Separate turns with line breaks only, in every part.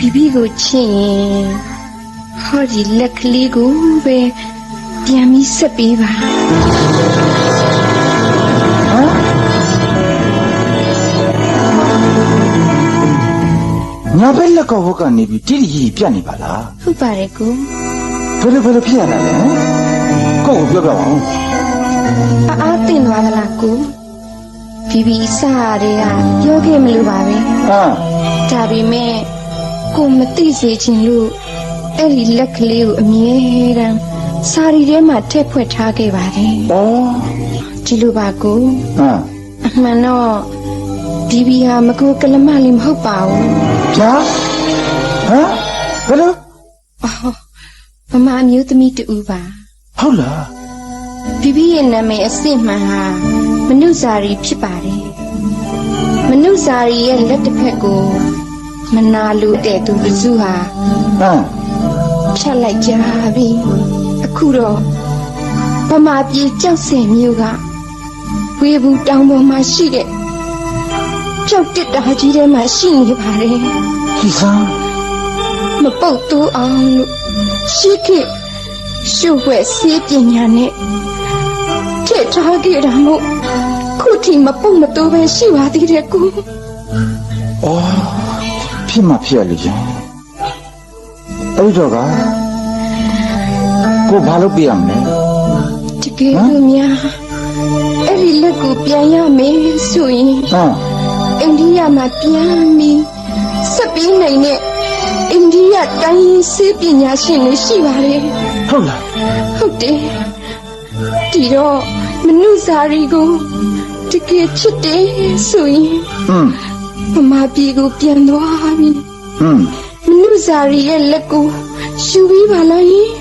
비비고 친 허리 렉리고 왜 뺨이 습비봐
ညာဘက်လက်ကောက်ဘက်ကနေပြီးတိတိကြီးပြတ်နေပါလား
ဟုတ်ပါတယ်ကို
ဘယ်လိုဖြစ်ရတာလဲကိုယ့်ကိုပြောပြပါဦး
အားတင်သွားသလားကိုဘီဘီစားရတဲ့ကပြောခဲ့မလို့ပါပဲ
ဟမ်
ဒါပေမဲ့ကိုမသိစေချင်လို့အဲ့ဒီလက်ကလေးကိုအမြဲတမ်းစာရီထဲမှာထည့်ဖွက်ထားခဲ့ပါတယ်
ဩ
ဒီလိုပါကို
ဟမ်
အမှန်တော့ဘီဘီဟာမကူကလမလေးမဟုတ်ပါဘူး
ဗျာဟမ်ဘယ်လို
မမအမျိုးသမီးတူပါ
ဟုတ်လား
ဘီဘီရဲ့နာမည်အစစ်မှန်ဟာမနုဇာရီဖြစ်ပါတယ်မနုဇာရီရဲ့လက်တစ်ဖက်ကိုမနာလိုတဲ့သူလူစုဟာ
ဟမ်
ဖြတ်လိုက်ကြပြီအခုတော့ဗမာပြည်ကြောက်စင်မြို့ကဝေဘူးတောင်ပေါ်မှာရှိတဲ့ကြောက်တစ်တာကြီးထဲမှာရှိနေပါတယ်
ဒီစမ်း
မပုတ်တူအောင်လို့ရှိခဲ့ရှုပ်ဝဲစေးပညာနဲ့ထည့်ထားခဲ့တာမို့ခုထိမပုတ်မတူပဲရှိပါသေးတယ်ကို
ဩဖြစ်မှဖြစ်ရလေချင်းအဲ့တော့ကကိုဘာလုပ်ပြရမလဲ
တကယ်လို့များအဲ့ဒီလက်ကိုပြန်ရမယ်ဆိုရင်
ဟမ်
အိန္ဒိယမှာပြန်ပြီးဆက်ပြီးနိုင်တဲ့အိန္ဒိယတိုင်းရင်းစေးပညာရှင်တွေရှိပါတယ်
ဟုတ်လား
ဟုတ်တယ်ဒီတော့မနုဇာရီကိုတကယ်ချစ်တယ်ဆိုရင်
ဟမ်
မမပြည်ကိုပြန်သွားပြီ
ဟမ်
မနုဇာရီရဲ့လက်ကိုယူပြီးပါလားယင်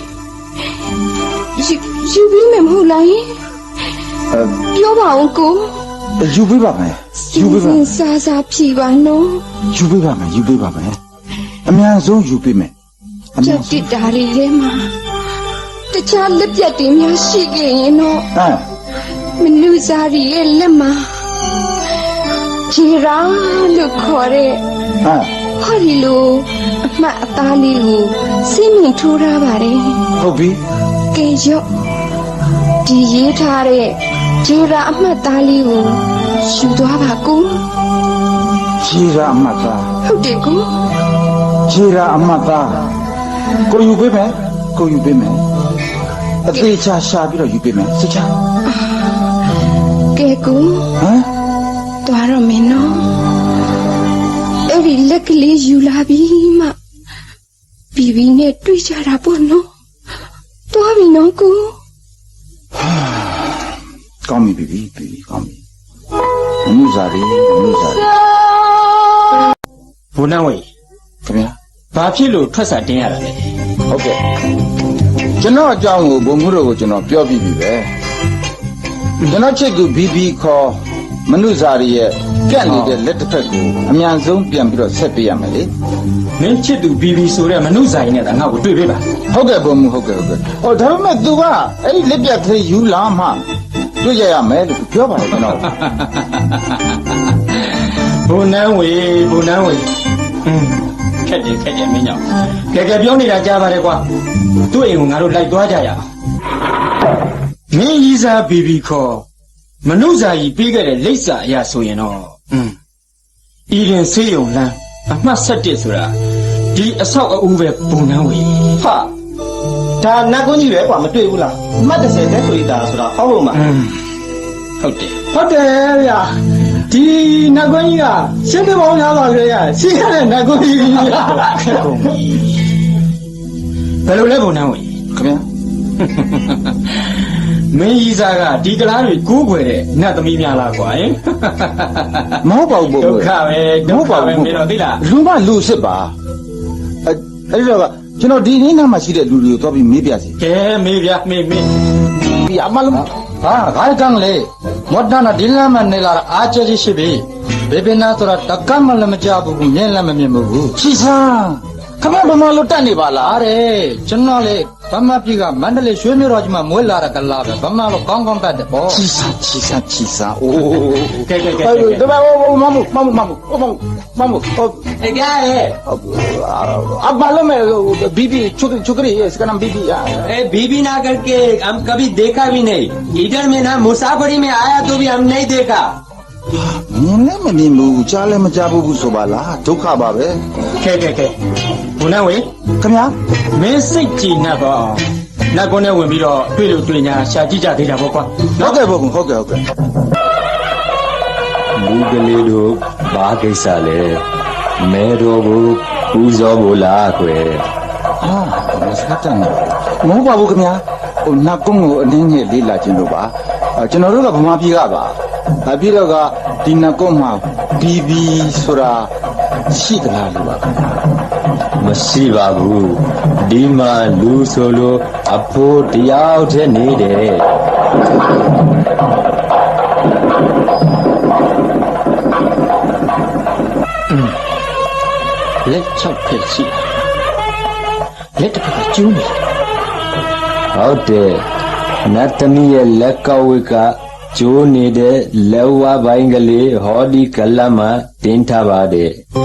ယူပြီးမယ်မဟုတ်လားယင်ပြောပါဦးကို
ယူပေးပါမယ်ယူပေးပါ
စားစားဖြီပါနော်
ယူပေးပါမယ်ယူပေးပါမယ်အများဆုံးယူပေးမယ်အ
ကြော
များ
က်
ဆုံး
တစ်တာတွေထဲမှာတခြားလက်ပြတ်တွေများရှိခဲ့ရင်တော့
ဟမ်
မနုဇာရီရဲ့လက်မှာဂျီရာလို့ခေါ်တဲ့
ဟမ်
ဟောဒီလိုအမှတ်အသားလေးကိုစိတ်မြင်ထိုးထားပါတယ်
ဟုတ်ပြီ
ကဲရော့ဒီရေးထားတဲ့ဂျီရာအမှတ်သားလေးကိုယူသွားပါကူ
ခြေရာအမတ်သား
ဟုတ်တယ်ကူ
ခြေရာအမတ်သားကိုယူပေးမယ်ကိုယူပေးမယ်အသေးချာရှာပြီးတော့ယူပေးမယ်စစ်ချာ
ကဲကူ
ဟမ်
သွားတော့မင်းနော်အဲ့ဒီလက်ကလေးယူလာပြီးမှဘီဘီနဲ့တွေ့ကြတာပေါ့နော်သွားပြီနော်ကူ
ကောင်းပြီပြီကောင်းပြီမနုဇာရီမနုဇာရီ
ဘုန်းတော်ဝေ
ခင်ဗျာ
ဘာဖြစ်လို့ထွက်စာတင်းရတာလဲ
ဟုတ်ကဲ့ကျွန်တော်အကြောင်းကိုဘုံမှုတို့ကိုကျွန်တော်ပြောပြီးပြီပဲကျွန်တော်ချစ်သူဘီဘီခေါ်မနုဇာရီရဲ့ကန့်နေတဲ့လက်တစ်ဖက်ကိုအများဆုံးပြန်ပြီးတော့ဆက်ပေးရမယ်လေ
မင်းချစ်သူဘီဘီဆိုတဲ့မနုဇာရီနဲ့ငါ့ကိုတွေ့ပေးပါ
ဟုတ်ကဲ့ဘုံမှုဟုတ်ကဲ့ဟောဒါပေမဲ့ तू ကအဲ့ဒီလက်ပြတ်ကလေးယူလာမှတွေ့ရရမယ်လို့ပြောပါတယ်ကျွန်တော်
ဘုန်းတော်ဝေခက်တယ်မင်းကြောင့်ကဲပြောနေတာကြားပါတယ်ကွာသူ့အိမ်ကိုငါတို့လိုက်သွားကြရအောင်မင်းကြီးစားဘီဘီခေါ်မနုဇာရီပေးခဲ့တဲ့လိပ်စာအရာဆိုရင်တော့ဤရင်ဆေးရုံလမ်းအမှတ်7ဆိုတာဒီအဆောက်အဦပဲဘုန်းတော်ဝေ
ဟာဒါနတ်ကွန်းကြီးပဲကွာမတွေ့ဘူးလားမှတ်30တက်ဆိုရတာဆိုတာဟောလို့မှာ
ဟုတ်တယ်
ဟုတ်တယ်ဗျာဒီနတ်ကွန်းကြီးကရှင်းပြပေါင်းများစွာကြရရှင်းရတဲ့နတ်ကွန်းကြီး
ခက်ကုန်ပြီဘယ်လိုလဲဘုံနှံဝင်
ခင်ဗျာ
မင်းကြီးစားကဒီကလားတွေကိုးကွယ်တဲ့နတ်သမီးများလားကွာဟင်
မဟုတ်ပါဘူးဘုံ
ဒုက္ခပဲမင်းတော့သိလား
လူမလူစစ်ပါအဲ့တော့ကကျွန်တော်ဒီနေ့နားမှာရှိတဲ့လူတွေကိုတော့ပြီးမေးပြစီ
ကဲမေးဗျာမေး
ဒီအမလုံး
ဟာဂိုင်းကံလေမော်ဒနာဒီလမ်းမနေလာအားကျရှိပြီဘေဘနာဆိုတာတကမလည်းမကြဘူးမြင်လည်းမမြင်ဘူး
ချီဆန်းခမဘမလို့တက်နေပါလား
အားတယ်ကျွန်တော်လေဗမာပြည်ကမန္တလေးရွှေမြို့တော်ကြီးမှာမွေးလာတဲ့ကလာပဲဗမာလိုကောင်းကောင်းတတ်တယ်ပေါ့
ချီစံအိုး
ကဲကဲကဲ
တမမမ
哎呀哎，
အဘာလို့မဲဘီဘီချိုကရီစကနမ်ဘီဘီ
ए बीबी ना करके हम कभी देखा भी नहीं इधर में ना मुसाफरी में आया तो भी हम नहीं देखा
မြင်လည်းမမြင်ဘူးကြားလည်းမကြားဘူးဆိုပါလားဒုက္ခပါပဲ
खे खे खे उन्हें वे
ခင်ဗျာ
मैं सिक जी ना बा ना कोने वे भी रोတွေ့လို့တွေ့ညာရှာကြည့်ကြသေးတာပေါ့ကွာ
ဟုတ်ကဲ့ဘုံဟုတ်ကဲ့
လူကလေးတို့ဘာကိစ္စလဲမဲတော်ကိုပူဇော်ဖို့လားကွယ်
ဟာစကတန်မဟုတ်ပါဘူးခင်ဗျာဟိုနတ်ကုန်းကိုအနည်းငယ်လေးလာခြင်းလို့ပါကျွန်တော်တို့ကဗမာပြည်ကပါပြီးတော့ကဒီနတ်ကုန်းမှာဘီဘီဆိုတာရှိသလားလို့ပါ
မရှိပါဘူးဒီမှာလူဆိုလို့အဖိုးတယောက်တည်းနေတယ်
လက်6ဖက်ရှိလက်တစ်ဖက်ကကျူးနေ
ဟုတ်တယ်နတ်သမီးရဲ့လက်ကောက်ဝိကကျိုးနေတဲ့လက်ဝါးပိုင်းကလေးဟောဒီကလပ်မှာတင်းထားပါတယ်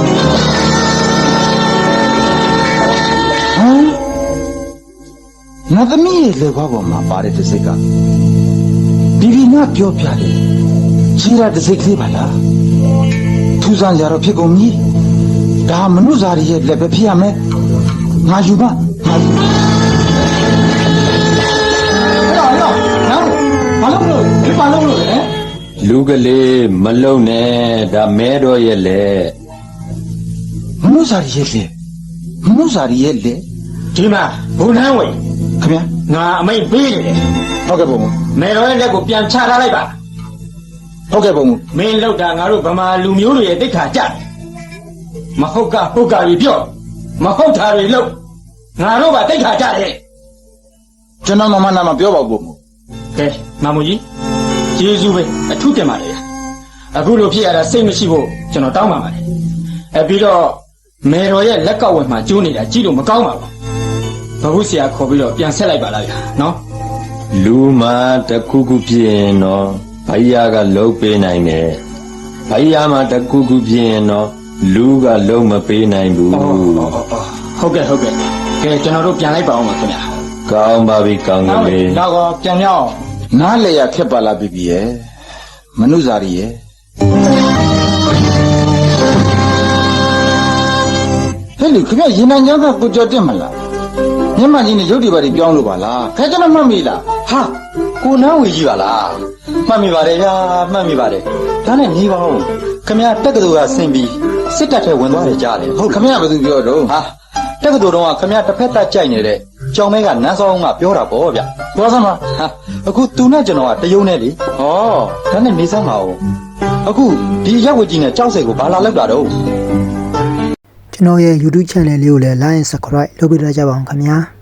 ဟမ်နတ်သမီးရဲ့လေဘွားပေါ်မှာပါတဲ့တစ်စိတ်ကဘီဘီနာပြောပြတယ်ခြေရတစ်စိတ်ကလေးပါလားထူးဆန်းကြတော့ဖြစ်ကုန်ပြီဒါမနုဇာရီရဲ့လက်ပဲဖြစ်ရမယ်ငါယူပါငါယူ
နော်ဘာလို့လို့လဲ
လူကလေးမလုံနဲ့ဒါမဲတော်ရဲ့လက်
မနုဇာရီရဲ့လက်မနုဇာရီရဲ့လက်
ဒီမှာဘုံနှမ်းဝေ
ခင်ဗျာ
ငါအမိတ်ပေးနေတယ်
ဟုတ်ကဲ့ဘုံ
မေတော်ရဲ့လက်ကိုပြန်ချထားလိုက်ပါ
ဟုတ်ကဲ့ဘုံ
မင်းလောက်တာငါတို့ဗမာလူမျိုးတွေရဲ့တိတ်ခါကြတယ်မဟုတ်ကဟုတ်ကကြီးပြော့မဟုတ်တာတွေလို့ငါတို့ကတိတ်ခါကြတယ်
ကျွန်တော်မမနာမပြောပါဘူးဘုံ
ကဲမမကြီးကျေးဇူးပဲအထူးတင်ပါတယ်အခုလိုဖြစ်ရတာစိတ်မရှိဖို့ကျွန်တော်တောင်းပါပါတယ်ပြီးတော့မေတော်ရဲ့လက်ကောက်ဝယ်မှာကျိုးနေတာကြည့်လို့မကောင်းပါဘူးဘဟုဆရာခေါ်ပြီးတော့ပြန်ဆက်လိုက်ပါလားဗျာနော်
လူမှာတစ်ခုခုဖြစ်ရင်တော့ဘိုင်ယာကလှုပ်ပေးနိုင်တယ်ဘိုင်ယာမှာတစ်ခုခုဖြစ်ရင်တော့လူကလှုပ်မပေးနိုင်ဘူး
ဟုတ်ကဲ့ကဲကျွန်တော်တို့ပြန်လိုက်ပါအောင်ပါခင်ဗျာ
ကောင်းပါပြီကောင်းကလေး
တော့ပြန်ရအောင်
နားလေရခက်ပါလားဘီဘီရဲ့မနုဇာရီရဲ့ဟဲ့လူခင်ဗျရင်နံကြောင်းကကိုကြော်တက်မလားမျက်မှန်ကြီးနဲ့ရုပ်တွေပါတွေပြောင်းလို့ပါလားခဲကျွန်တော်မှတ်မိလား
ဟာကိုနန်းဝေကြီးပါလားမှတ်မိပါတယ်ဗျာမှတ်မိပါတယ်ဒါနဲ့ညီပါဦးခမရတက္ကသိုလ်ကဆင်ပြီးစစ်တပ်ထဲဝင်သွားတယ်ကြားတယ်
ဟုတ်ခင်ဗျဘာသူပြောတော့
ဟာတက္ကသိုလ်တော့ခမရတစ်ဖက်သက်ကြိုက်နေတဲ့ကြောင်မဲကနန်းစောင်းကပြောတာပေါ့ဗျ
ပြောစမ်းပါ
ဟာအခုသူနဲ့ကျွန်တော်ကတယုံနဲ့လေဩဒါနဲ့နေစမ်းပါဦးအခုဒီရက်ဝတ်ကြီးနဲ့ကြောက်စိတ်ကိုဘာလာလောက်တာတော့
ကျွန်တော်ရဲ့ YouTube channel လေးကိုလည်း like and subscribe လုပ်ပေးကြပါအောင်ခင်ဗျာ